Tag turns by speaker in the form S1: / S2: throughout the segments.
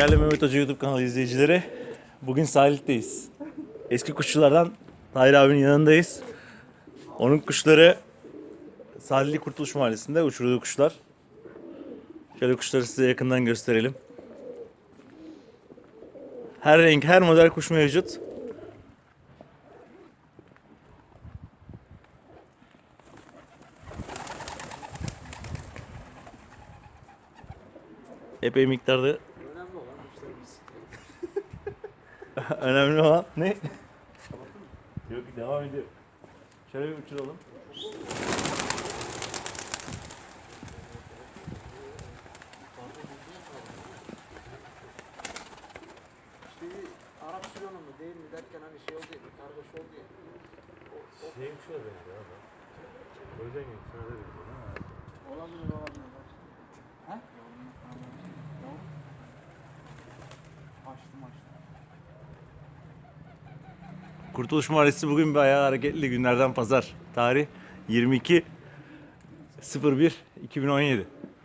S1: Değerli Mehmet Hoca YouTube kanalı izleyicileri, bugün sahildeyiz. Eski kuşçulardan Tahir abinin yanındayız. Onun kuşları Sahilli Kurtuluş Mahallesi'nde uçurduğu kuşlar. Şöyle kuşları size yakından gösterelim. Her renk, her model kuş mevcut. Epey miktarda.
S2: Önemli olan müşterimiz.
S1: Önemli olan ne? Yok, devam ediyor. Şöyle bir uçuralım.
S2: Şeyi Arap Süleyman'ı mı değil mi derken hani şey oldu ya, bir kargaş oldu ya.
S3: Şeyin şuna benziyor abi. O yüzden şuna da benziyor.
S2: Olabilir. He? Açtım.
S1: Kurtuluş Mahallesi bugün bayağı hareketli, günlerden pazar. Tarih 22.01.2017.
S2: İşimiz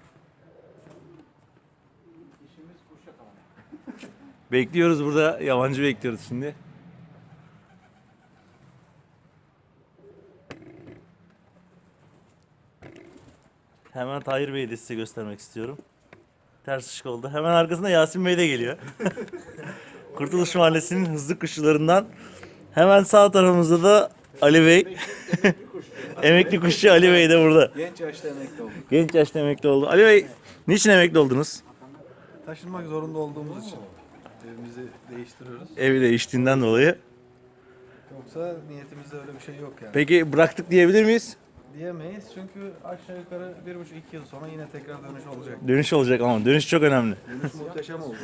S2: kuş yakalamak.
S1: Bekliyoruz burada, yabancı bekliyoruz şimdi. Hemen Tahir Bey'i de size göstermek istiyorum. Ters ışık oldu. Hemen arkasında Yasin Bey de geliyor. Kurtuluş Mahallesi'nin hızlı kuşçularından. Hemen sağ tarafımızda da Ali Bey. Emekli kuşçu Ali Bey de burada.
S4: Genç yaşta emekli olduk.
S1: Genç yaşta emekli oldu. Ali Bey, niçin emekli oldunuz?
S4: Taşınmak zorunda olduğumuz için evimizi değiştiriyoruz.
S1: Evi değiştiğinden dolayı.
S4: Yoksa niyetimizde öyle bir şey yok yani.
S1: Peki bıraktık diyebilir miyiz?
S4: Diyemeyiz çünkü aşağı yukarı 1,5-2 yıl sonra yine tekrar dönüş olacak.
S1: Dönüş olacak ama dönüş çok önemli.
S4: Dönüş muhteşem oldu.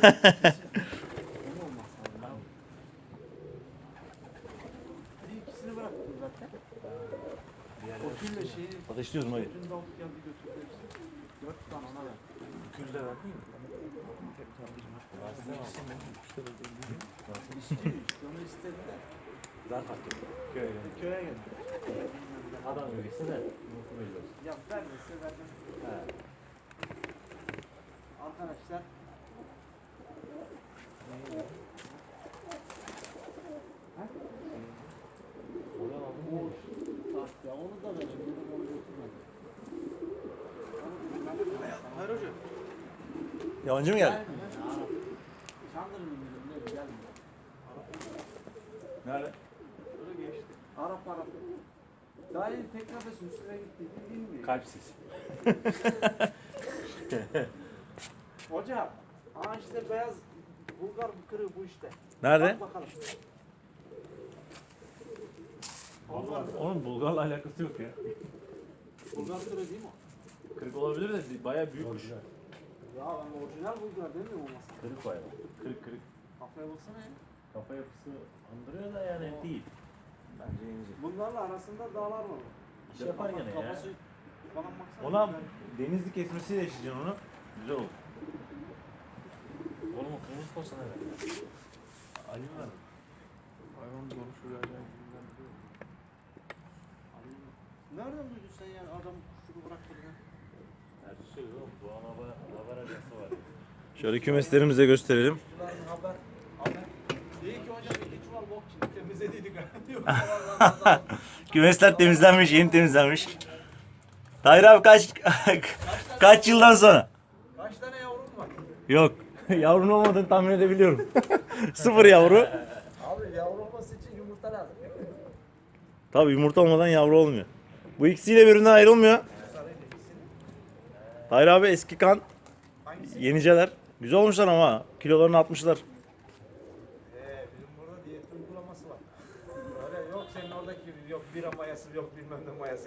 S2: Bir ikisini bıraktım zaten. O külle şeyi
S1: Ateşliyoruz mu?
S2: dün davut geldi götürdü hepsini. 4 tane ona ver.
S3: Külde verdin mi?
S2: İstiyor işte onu istediler.
S3: Zarf atıyor.
S2: Köye geldi.
S3: Adam öyleyse de mutlu ediyoruz.
S2: Ya vermese verdim. Arkadaşlar. Ya onu da verin. Onu götürmedim.
S4: Hayır hocam.
S1: Yabancı mı geldi?
S2: Çandırın müdürüm gelmiyor.
S1: Nerede?
S2: Öyle geçti. Arap. Daha yeni tek nefesin üstüne gitti. Bilmiyor.
S3: Kalp sesi.
S2: Hocam. Aa işte beyaz Bulgar kırığı bu işte.
S1: Nerede?
S2: Bak bakalım.
S1: Onun Bulgar'la alakası yok ya.
S2: Bulgar kırığı değil mi o?
S1: Kırık olabilir de bayağı büyük kuş.
S2: Ya ben orijinal Bulgar demiyorum olmasa.
S3: Kırık bayağı.
S1: Kırık kırık.
S2: Kafaya baksana ya.
S3: Kafa yapısı andırıyor da yani değil. Bence ince.
S2: Bunlarla arasında dağlar var.
S3: İş yapar gene ya.
S2: Kafası falan baksana.
S1: Ona denizli kesmesiyle yaşayacaksın onu. Güzel olur.
S3: Oğlum o kırmızı posta ne?
S1: Ali mi var?
S4: Hayvan konuşuyor acayip.
S2: Nereden duydun sen yani adam kuşunu bıraktığını?
S3: Her şey yok. Doğan haber ajansı var.
S1: Şöyle kümeslerimizi de gösterelim.
S2: Kuşların haber. İyi ki hocam iki çuval bok şimdi temizlediydik. Yok.
S1: Kümesler temizlenmiş, yeni temizlenmiş. Tahir abi kaç yıldan sonra?
S2: Kaç tane yavrum var?
S1: Yok. Yavrun olmadığını tahmin edebiliyorum. Sıfır yavru.
S2: Abi yavru olması için yumurta lazım.
S1: Tabii yumurta olmadan yavru olmuyor. Bu ikisiyle birbirinden ayrılmıyor. Tahir abi eski kan. Yeniceler. Güzel olmuşlar ama. Kilolarını atmışlar.
S2: Bizim burada diyet uygulaması var. Öyle yok senin oradaki gibi yok bira mayası yok bilmem ne mayası.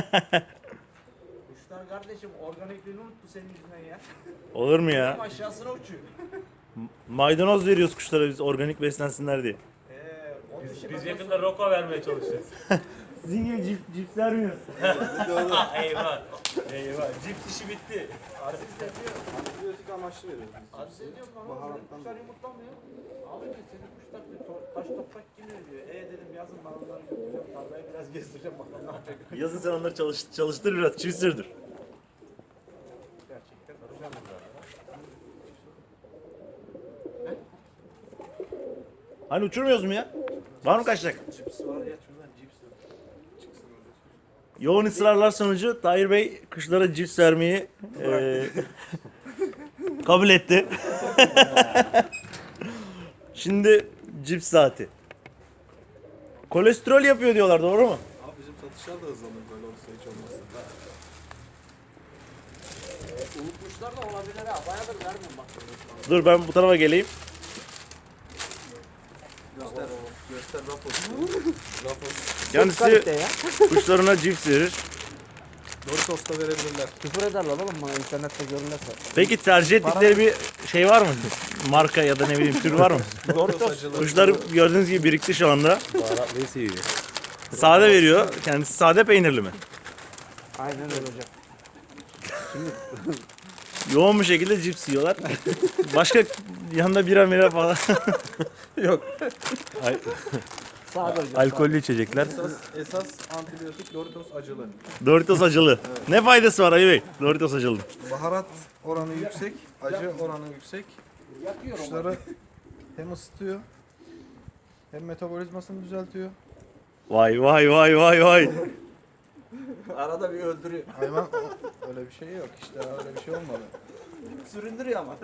S2: Kuşlar kardeşim organikliğini unuttu senin yüzünden ya.
S1: Olur mu ya?
S2: Tam aşağısına uçuyor.
S1: Maydanoz veriyoruz kuşlara biz organik beslensinler diye.
S2: O dişi
S3: Biz
S2: ben
S3: yakında roko vermeye çalışacağız.
S1: Sizin gibi cips vermiyoruz.
S3: Eyvah. Eyvah. Cips işi bitti.
S2: Aziz de diyor.
S4: Antibiyotik amaçlı veriyoruz biz.
S2: Aziz de diyor bana
S4: Baharattan
S2: senin kuşlar yumurtlamıyor. Abi diyor senin kuşlar diyor taş toprak yemiyor diyor. Dedim yazın ben onları götüreceğim tarlaya biraz gezdireceğim bakalım ne yapacak.
S1: Yazın sen onları çalıştır biraz, çift sürdür.
S2: Gerçekten.
S1: Hani uçurmuyoruz mu ya? Var mı kaçacak?
S2: Cips var ya şuradan cips var. Çıksın öyle.
S1: Yoğun ısrarlar sonucu Tahir Bey kuşlara cips vermeyi kabul etti. Şimdi cips saati. Kolesterol yapıyor diyorlar, doğru mu?
S4: Abi bizim satışlar da hızlanır böyle olursa hiç olmazsa.
S2: Unutmuşlar da olabilir ha. Bayağıdır vermiyorum bak.
S1: Dur ben bu tarafa geleyim.
S4: Göster Rafos. Rafos.
S1: Kendisi kuşlarına cips verir.
S4: Doritos da verebilirler.
S2: Küfür ederler oğlum bana internette görünürse.
S1: Peki tercih ettikleri bir şey var mı? Marka ya da ne bileyim tür var mı?
S4: Doritos acılı.
S1: Kuşlar gördüğünüz gibi birikti şu anda.
S3: Baharatlıyı seviyor.
S1: Sade veriyor. Kendisi sade peynirli mi?
S2: Aynen öyle hocam.
S1: Yoğun bir şekilde cips yiyorlar. Başka yanında bira mira falan.
S4: Yok.
S2: Sağ ol hocam.
S1: Alkollü içecekler.
S4: Esas antibiyotik Doritos acılı.
S1: Doritos acılı. Ne faydası var Ali Bey? Doritos acılı.
S4: Baharat oranı yüksek, acı oranı yüksek.
S2: Yakıyor onu.
S4: Kuşları hem ısıtıyor hem metabolizmasını düzeltiyor.
S1: Vay vay vay vay vay.
S2: Arada bir öldürüyor.
S4: Hayvan öyle bir şey yok işte öyle bir şey olmadı.
S2: Süründürüyor ama.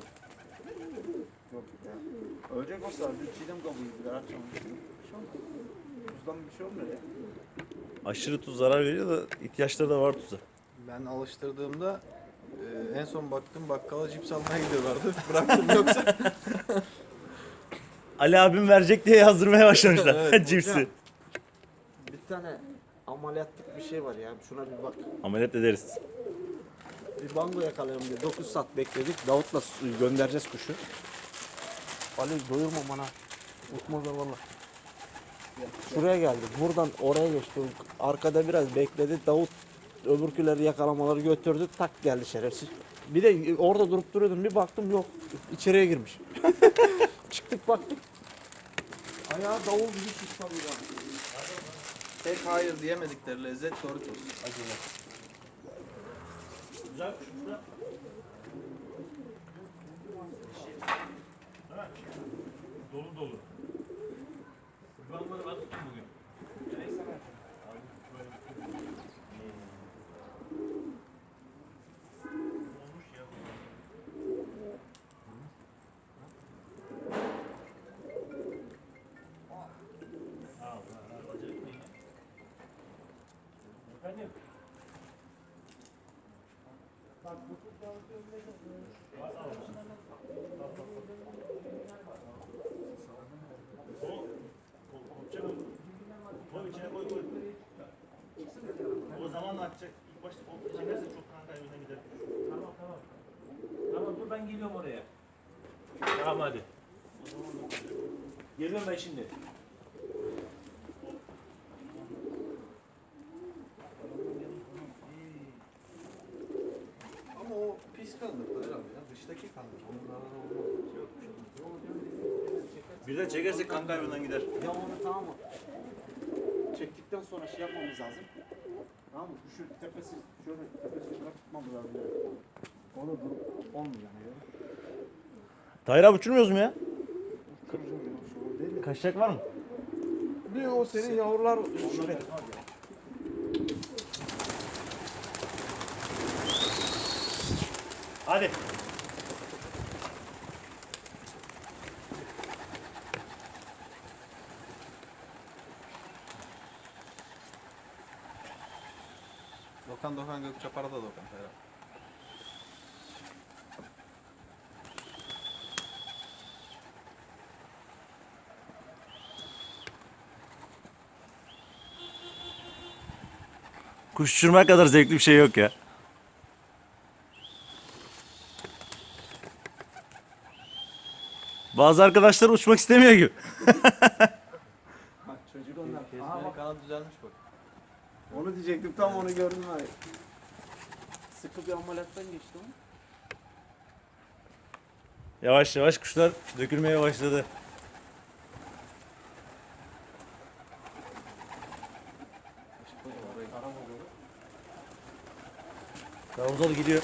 S2: Yok ya. Ölecek olsa bir çiğdem kabuğu bir akşam. Bir şey olmaz. Tuzdan bir şey olmuyor ya.
S1: Aşırı tuz zarar veriyor da ihtiyaçları da var tuza.
S4: Ben alıştırdığımda en son baktım bakkala cips almaya gidiyorlardı. Bıraktım yoksa.
S1: Ali abim verecek diye yazdırmaya başlamışlar
S4: Evet,
S1: cipsi.
S2: hocam. Bir tane ameliyatlık bir şey var ya. Şuna bir bak.
S1: Ameliyat ederiz.
S2: Bir bango yakalayalım diye 9 saat bekledik. Davut'la göndereceğiz kuşu. Ali doyurma bana. Unutmazlar valla. Şuraya geldik. Buradan oraya geçti. Arkada biraz bekledi. Davut öbürküleri yakalamaları götürdü. Tak geldi şerefsiz. Bir de orada durup duruyordum. Bir baktım yok. İçeriye girmiş. Çıktık baktık. Ayağı davul gibi çıkmadı ya.
S4: Tek hayır diyemedikleri lezzet Doritos acılı.
S1: Güzel kuş da. Dolu dolu. Kurbanları ben tuttum bugün. Olmuş ya. Efendim? Koy içine koy koy. O zaman atacak. İlk başta o çekerse çok kan kaybına gider. Tamam tamam. Tamam dur ben geliyorum oraya. Tamam hadi. Geliyorum ben şimdi.
S4: Ama o pis kanlıklar herhalde ya. Dıştaki kanlık. Onlara olmaz.
S1: Bir de çekersek kan kaybından gider.
S2: Ya onu tamam mı? Çektikten sonra şey yapmamız lazım. Tamam mı? Şu tepesi, şöyle tepesini bırak tutmamız lazım. Onu durup olmuyor yani.
S1: Tahir abi uçurmuyoruz mu ya?
S2: Kırıcım ya, şu değil mi?
S1: Kaçacak var mı?
S2: Bir o senin yavrular şuraya.
S1: Hadi.
S4: Dokan Gökçapar'a da Dokan herhalde.
S1: Kuş uçurmak kadar zevkli bir şey yok ya. Bazı arkadaşlar uçmak istemiyor gibi.
S2: Bak çocuk onlar. Aha
S4: Kesmenin
S2: bak.
S4: kanat düzelmiş bak.
S2: Onu diyecektim tam onu gördüm abi. Sıkı bir ameliyattan geçti o.
S1: Yavaş yavaş kuşlar dökülmeye başladı. Karamuzalı gidiyor.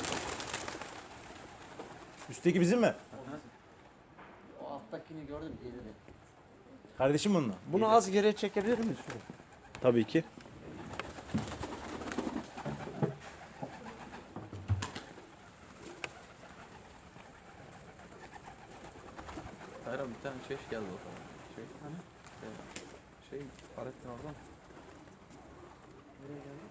S1: Üstteki bizim mi?
S2: O alttakini gördüm iyi dedi.
S1: Kardeşim bununla.
S2: Bunu az geriye çekebilir miyiz?
S1: Tabii ki.
S4: Hayır abi bir tane çeş geldi o zaman. Şey hani? Şey Fahrettin oradan. Nereye geldi?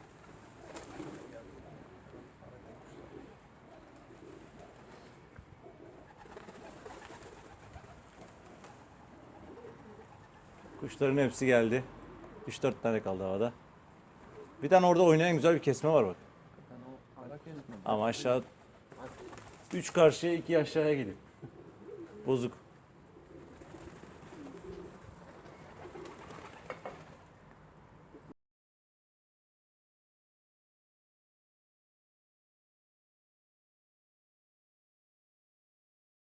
S1: Kuşların hepsi geldi. 3-4 tane kaldı havada. Bir tane orada oynayan güzel bir kesme var bak.
S4: Ben o merak etmedim.
S1: Ama aşağı 3 karşıya 2 aşağıya gidiyor. Bozuk.